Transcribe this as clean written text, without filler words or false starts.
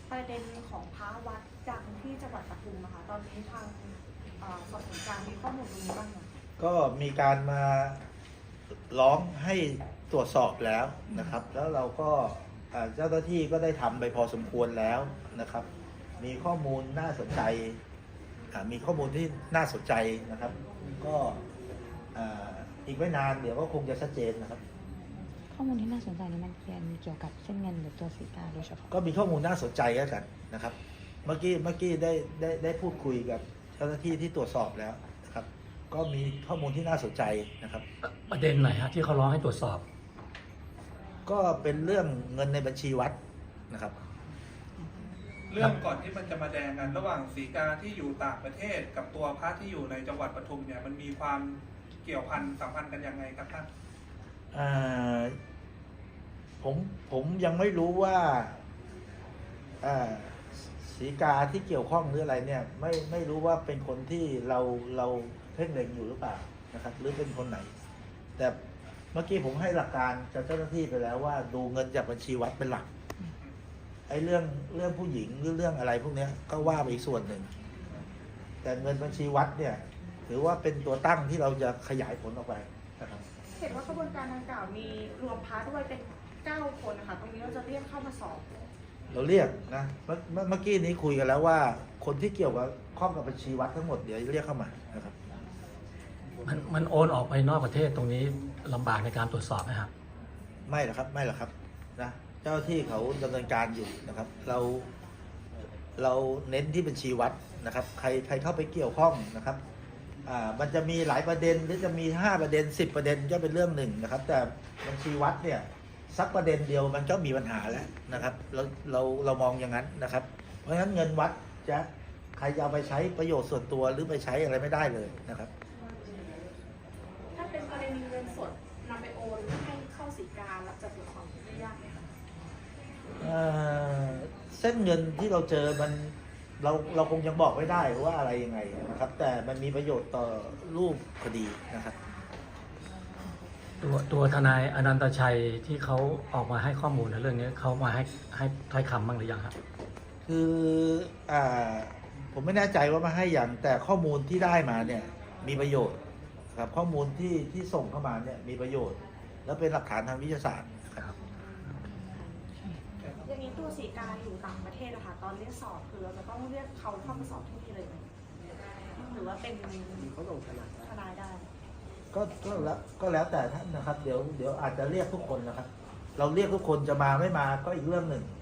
ประเด็นของพระวัดดังที่จังหวัดปทุมนะคะตอนนี้ทางสอบสวนกลางมีข้อมูลตรงนี้บ้างไหมก็มีการมาร้องให้ตรวจสอบแล้วนะครับแล้วเราก็เจ้าหน้าที่ก็ได้ทำไปพอสมควรแล้วนะครับมีข้อมูลน่าสนใจมีข้อมูลที่น่าสนใจนะครับก็อีกไม่นานเดี๋ยวก็คงจะชัดเจนนะครับข้อมูลที่น่าสนใจนี้มันเกี่ยวกับเส้นเงินหรือตัวสีกาโดยเฉพาะก็มีข้อมูลน่าสนใจแล้วกันนะครับเมื่อกี้ได้พูดคุยกับเจ้าหน้าที่ที่ตรวจสอบแล้วนะครับก็มีข้อมูลที่น่าสนใจนะครับประเด็นไหนฮะที่เขาร้องให้ตรวจสอบก็เป็นเรื่องเงินในบัญชีวัดนะครับเรื่องก่อนที่มันจะมาแดงกันระหว่างศรีกาที่อยู่ต่างประเทศกับตัวพระที่อยู่ในจังหวัดปทุมเนี่ยมันมีความเกี่ยวพันสัมพันธ์กันยังไงครับท่านผมยังไม่รู้ว่าศรีกาที่เกี่ยวข้องหรืออะไรเนี่ยไม่รู้ว่าเป็นคนที่เราเพ่งเล็งอยู่หรือเปล่านะครับหรือเป็นคนไหนแต่เมื่อกี้ผมให้หลักการกับเจ้าหน้าที่ไปแล้วว่าดูเงินจากบัญชีวัดเป็นหลักไอ้เรื่องผู้หญิงหรือเรื่องอะไรพวกนี้ก็ว่าไปอีกส่วนหนึ่งแต่เงินบัญชีวัดเนี่ยถือว่าเป็นตัวตั้งที่เราจะขยายผลออกไปนะครับเห็นว่ากระบวนการดังกล่าวมีรวมพระด้วยเป็น9 คนนะคะตรงนี้เราจะเรียกเข้ามาสอบเราเรียกนะเมื่อกี้นี้คุยกันแล้วว่าคนที่เกี่ยวกับข้องกับบัญชีวัดทั้งหมดเดี๋ยวเรียกเข้ามานะครับมันโอนออกไปนอกประเทศตรงนี้ลำบากในการตรวจสอบไหมครับไม่หรอกครับนะเจ้าที่เขาดำเนินการอยู่นะครับเราเน้นที่บัญชีวัดนะครับใครเข้าไปเกี่ยวข้องนะครับมันจะมีหลายประเด็นหรือจะมี5ประเด็น10ประเด็นก็เป็นเรื่องหนึ่งนะครับแต่บัญชีวัดเนี่ยสักประเด็นเดียวมันก็มีปัญหาแล้วนะครับเรามองอย่างนั้นนะครับเพราะฉะนั้นเงินวัดจะใครจะเอาไปใช้ประโยชน์ส่วนตัวหรือไปใช้อะไรไม่ได้เลยนะครับถ้าเป็นกรณีเงินสดนำไปโอนให้เข้าศรีกาแล้วจะตรวจสอบได้ยากไหมคะเส้นเงินที่เราเจอมันเราคงยังบอกไม่ได้ว่าอะไรยังไงนะครับแต่มันมีประโยชน์ต่อรูปคดีนะครับตัวทนายอนันตชัยที่เขาออกมาให้ข้อมูลในเรื่องนี้เขามาให้ถ้อยคำบ้างหรือยังครับคือผมไม่แน่ใจว่ามาให้อย่างแต่ข้อมูลที่ได้มาเนี่ยมีประโยชน์ครับข้อมูลที่ส่งเข้ามาเนี่ยมีประโยชน์แล้วเป็นหลักฐานทางวิทยาศาสตร์ครับอย่างนี้ตัวศรีกาอยู่ต่างประเทศนะคะตอนเรียกสอบคือเราจะต้องเรียกเขาเข้ามาสอบที่นี่เลยไหมหรือว่าเป็นเขาลงทนายได้ก็แล้วแต่ท่านนะครับเดี๋ยวอาจจะเรียกทุกคนนะครับเราเรียกทุกคนจะมาไม่มาก็อีกเรื่องหนึ่ง